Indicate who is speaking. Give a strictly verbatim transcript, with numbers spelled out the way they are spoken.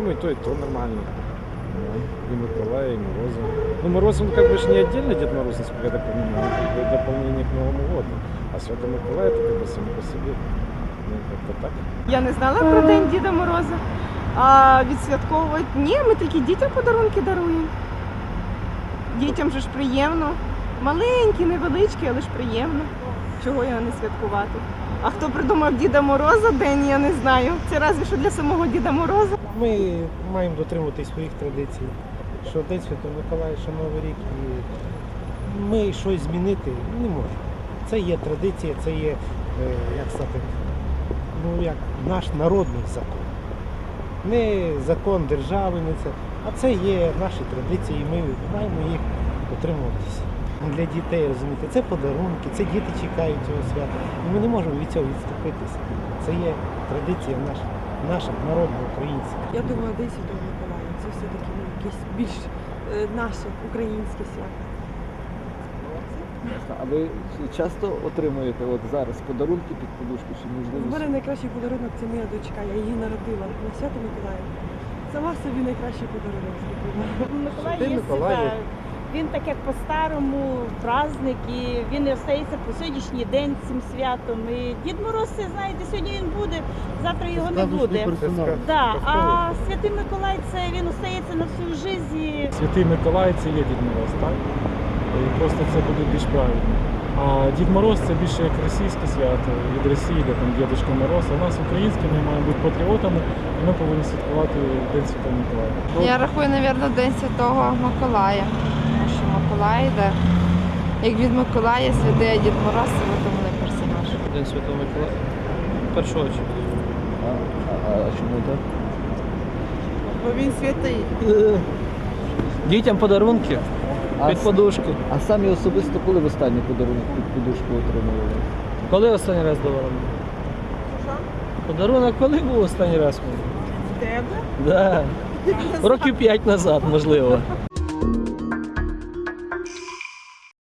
Speaker 1: думаю, и то, и то нормально. Да. И Миколая, и Мороза. Ну, Мороз, он как бы ж не отдельно Дед Мороз, насколько я так понимаю, он как бы дополнение к Новому году. А Святой Миколай, это как бы сам по себе. Ну, как-то так.
Speaker 2: Я не знала про День Діда Мороза. А відсвятковувати? Ні, ми тільки дітям подарунки даруємо. Дітям же ж приємно. Маленькі, невеличкі, але ж приємно. Чого його не святкувати? А хто придумав Діда Мороза день, я не знаю. Це разве що для самого Діда Мороза.
Speaker 3: Ми маємо дотримуватись своїх традицій, що День Святого Миколая, що Новий рік. І ми щось змінити не можемо. Це є традиція, це є, як сказати, ну, як наш народний закон. Не закон держави, не це, а це є наші традиції, і ми маємо їх дотримуватися. Для дітей, розумієте, це подарунки, це діти чекають цього свята. І ми не можемо від цього відступитися. Це є традиція наша, наша народна, українська.
Speaker 4: Я думаю, День Святого Миколая – це все-таки ну, якесь більш е, наше українське свято.
Speaker 5: А ви часто отримуєте от зараз подарунки під подушку чи
Speaker 4: У
Speaker 5: можливо?
Speaker 4: мене найкращий подарунок – це моя дочка, я її народила на Свято Миколая. Сама собі найкращий подарунок зробила.
Speaker 6: Миколай
Speaker 3: Святий
Speaker 6: є
Speaker 3: Миколай.
Speaker 6: свята. Він так як по-старому праздник, і він не остається по сьогоднішній день цим святом. І Дід Мороз, це, знаєте, сьогодні він буде, завтра його не буде. Да. А Святий Миколай це він остається на всю життя.
Speaker 7: Святий Миколай це є Дід Мороз, так? І просто це буде більш правильно. А Дід Мороз це більше як російське свято від Росії, де там Дідушка Мороз. А у нас українське, ми маємо бути патріотами, і ми повинні святкувати День Святого Миколая.
Speaker 8: Я рахую, мабуть, День Святого Миколая. Тому що Миколай йде. Як від Миколая святий, а Дід Мороз це видуманий персонаж.
Speaker 9: День Святого Миколая. В першу очередь.
Speaker 5: А, а, а чому так?
Speaker 2: Бо він святий.
Speaker 9: Дітям подарунки
Speaker 5: А,
Speaker 9: під
Speaker 5: с-
Speaker 9: подушки.
Speaker 5: а самі особисто коли в останній подарунок під подушку отримували?
Speaker 9: Коли останній раз давали? Подарунок коли був останній раз?
Speaker 2: Тебе?
Speaker 9: Да. Років п'ять назад, можливо.